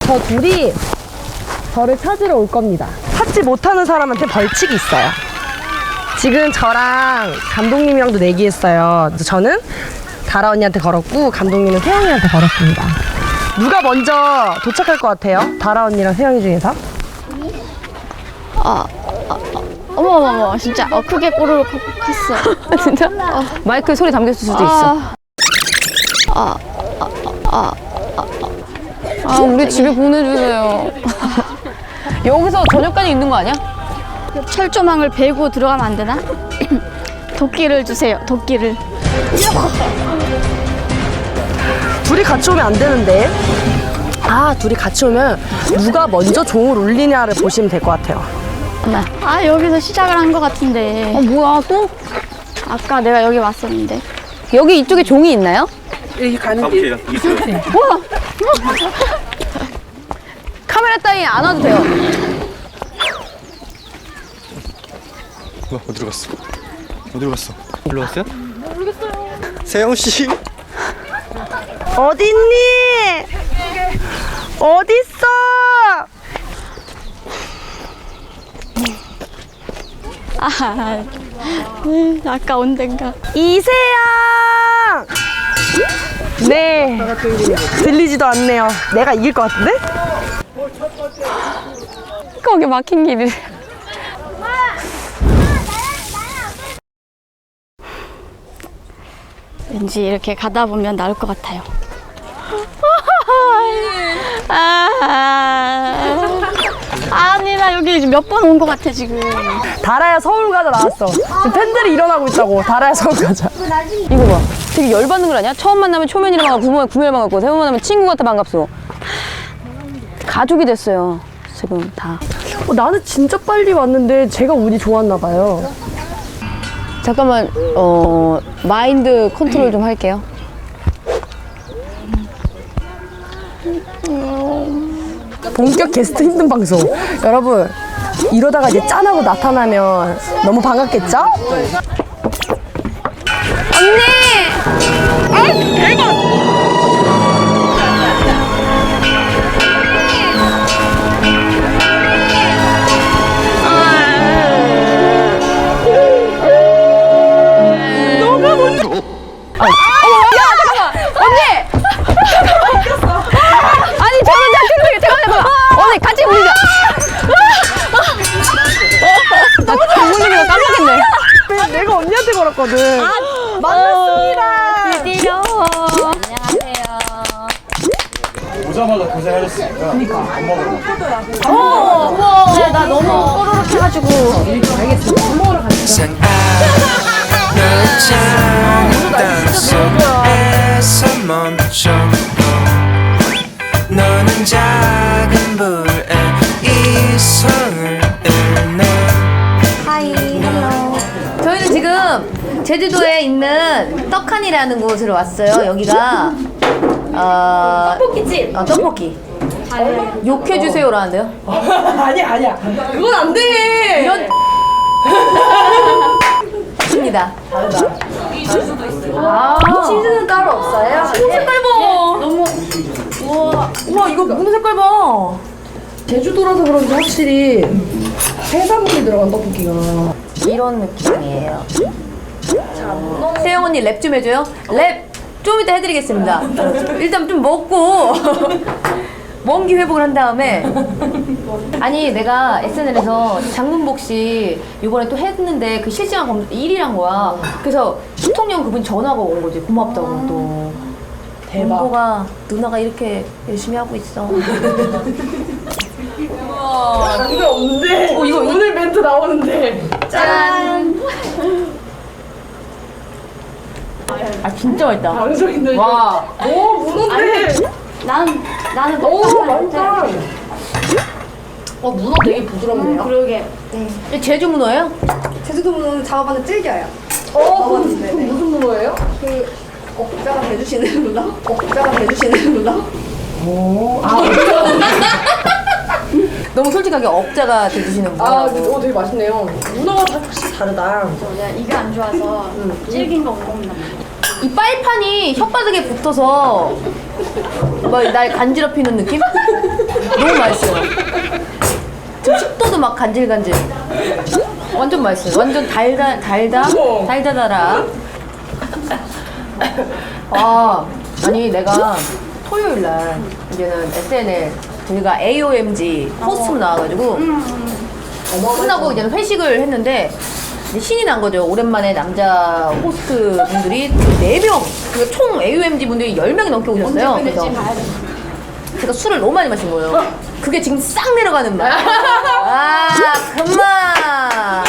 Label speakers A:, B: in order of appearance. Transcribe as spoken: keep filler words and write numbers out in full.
A: 저 둘이 저를 찾으러 올 겁니다. 찾지 못하는 사람한테 벌칙이 있어요. 지금 저랑 감독님이랑도 내기했어요. 저는 다라 언니한테 걸었고 감독님은 세영이한테 걸었습니다. 누가 먼저 도착할 것 같아요? 다라 언니랑 세영이 중에서?
B: 아, 아, 아 어머머머 진짜 어, 크게 꼬르륵 했어.
C: 진짜? 어. 마이크에 소리 담겼을 수도
B: 아,
C: 있어.
B: 아, 아, 아, 아,
C: 아, 우리 집에 보내주세요. 여기서 저녁까지 있는 거 아니야?
B: 철조망을 베고 들어가면 안 되나? 도끼를 주세요. 도끼를.
A: 둘이 같이 오면 안 되는데. 아, 둘이 같이 오면 누가 먼저 종을 울리냐를 보시면 될 것 같아요.
B: 아, 여기서 시작을 한 것 같은데.
C: 어, 뭐야, 또?
B: 아까 내가 여기 왔었는데.
C: 여기 이쪽에 종이 있나요?
A: 여기 가는 길.
C: 우와! 카메라 따위 안 와도 돼요.
D: 뭐, 어디로 갔어? 어디로 갔어? 일로 왔어요? 모르겠어요. 세영 씨.
A: 어딨니? 어딨어?
B: 아, 음, 아까 온 데인가.
A: 이세영! 네. 들리지도 않네요. 내가 이길 것 같은데?
C: 거기 막힌 길이.
B: 왠지 이렇게 가다 보면 나올 것 같아요. 아, 아니 나 여기 몇 번 온 것 같아 지금.
A: 다라야 서울 가자 나왔어. 지금 팬들이 일어나고 있다고. 다라야 서울 가자.
C: 이거 봐. 되게 열받는 걸 아냐? 처음 만나면 초면이라 반갑고, 구면 구면 반갑고, 세 번 만나면 친구 같아 반갑소. 가족이 됐어요. 지금 다.
A: 어, 나는 진짜 빨리 왔는데 제가 운이 좋았나 봐요.
C: 잠깐만, 어, 마인드 컨트롤 좀 할게요.
A: 본격 게스트 힘든 방송. 여러분, 이러다가 이제 짠하고 나타나면 너무 반갑겠죠?
C: 아니, 저는 잠깐만, 잠깐만. 언니, 같이 보자. 나 부모님이랑 깜빡했네.
A: 내가 언니한테 걸었거든. 만났습니다.
B: 드디어.
D: 오자마자 고생하셨으니까. 그러니까. 밥 먹으러.
B: 네, 나 너무 꼬르륵 해가지고.
E: 땅속에서 멈춰 너는 작은 불에 이성을 잃네.
C: 저희는 지금 제주도에 있는 떡하니라는 곳으로 왔어요. 여기가 어, 떡볶이집. 어, 떡볶이. 욕해주세요라는데요.
A: 아니야, 아니야. 그건 안 돼.
C: 이런 입니다. 아,
A: 치즈는 따로 없어요?
C: 치즈 색깔 봐. 너무 우와, 우와 이거 무슨 색깔 봐.
A: 제주도라서 그런지 확실히 해산물이 들어간 떡볶이가.
C: 이런 느낌이에요. 세영 언니 랩 좀 해줘요. 랩 좀 이따 해드리겠습니다. 일단 좀 먹고 원기 회복을 한 다음에. 아니 내가 에스엔엘에서 장문복 씨 이번에 또 했는데 그 실시간 검색 일 위란 거야. 그래서 대통령 그분이 전화가 온 거지. 고맙다고 또.
A: 대박.
C: 공보가 누나가 이렇게 열심히 하고 있어.
A: 이거 없는데.
C: 어, 이거
A: 오늘 멘트 나오는데.
C: 짠. 아 진짜 맛있다.
A: 방송인데.
C: 와.
A: 오, 문어인데.
B: 난 나는
A: 오,
B: 너무
A: 맛있다. 어, 문어 되게 부드럽네요.
B: 그러게.
C: 이 제주 문어예요?
F: 제주도 문어는 잡아봤는데 질겨요.
A: 어, 그건 무슨 문어예요?
F: 그 억자가 대주시는 문어? 억자가 대주시는 문어?
A: 오, 아,
C: 너무 솔직하게 억자가 돼주시는 분.
A: 아, 오, 되게 맛있네요. 문어가 다 확실히 다르다.
B: 내가 이가 안 좋아서 질긴 거 못 먹나 봐.
C: 이 빨판이 혓바닥에 붙어서 뭐 날 간지럽히는 느낌? 너무 맛있어요. 지금 식도도 막 간질간질. 완전 맛있어요. 완전 달다 달다 달다달아. 아 아니 내가 토요일 날 이제는 에스엔엘 저희가 에이오엠지 호스트로 나와가지고 끝나고 이제는 회식을 했는데 이제 신이 난 거죠. 오랜만에 남자 호스트 분들이 네 명, 그러니까 총 에이오엠지 분들이 열 명이 넘게 오셨어요. 그래서 제가 술을 너무 많이 마신 거예요. 그게 지금 싹 내려가는 맛. 아, 그만.